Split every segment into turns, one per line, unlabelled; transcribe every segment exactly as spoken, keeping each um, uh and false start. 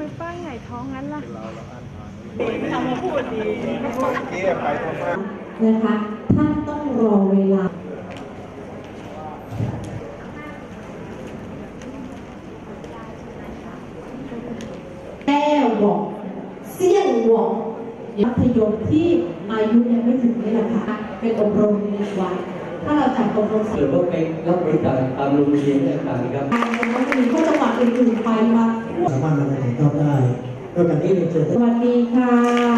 ไม่ป้ายไงท้องงั้นล่ะ
ทำมาพูดดี
เกี่ยไปทำมา
นะคะท่านต้องรอเวลาแก้วบอกเสี่ยงบอกมัธยมที่อายุยังไม่ถึงนี่แหละค่ะเป็นอบรมในวันถ้าเราจัดอบรม
หรือว่าไปรับบริจาคตามโรงเรียนต่างๆครับ
มันจะมีข้อจังหวัดอื่นๆไปมา
สามารถนำไปถ่ายทอดได้ด้วยกันที่เรียนเชิญส
วัสดีค่ะ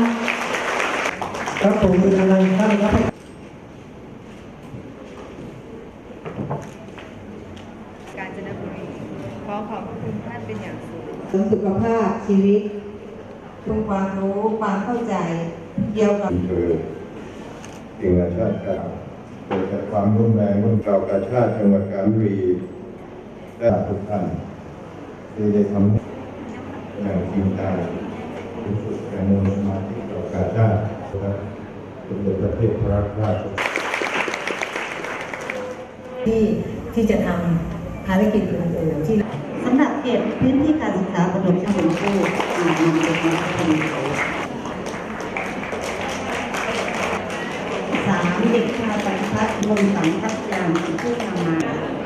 ครับผมเป็นอะไรท่านครับ
กาญจนบุรีขอขอบคุณท่านเป็นอย่างสูง
สุขภาพชีวิตคุณความรู้ความเข้าใจเกี่ยวกับ
คือสิ่งอาชาติกล่าวเกิดจากความร่วมแรงร่วมเรากาชาติจังหวัดกาญจนบุรีและทุกท่านที่ได้ทำอย่างจริงจังที่สุดแรงมูลสมาธิเรากาชาติและสมเด็จพระเทพรัตนราช
ที่ที่จะทำภารกิจอื่นๆที่สำหรับเขตพื้นที่การศึกษาประถมชั้นสูงผู้อ่านำจากนักเรียนสามเด็กชายปฏิพัฒน์วงศ์สังกัจจางผู้นำมา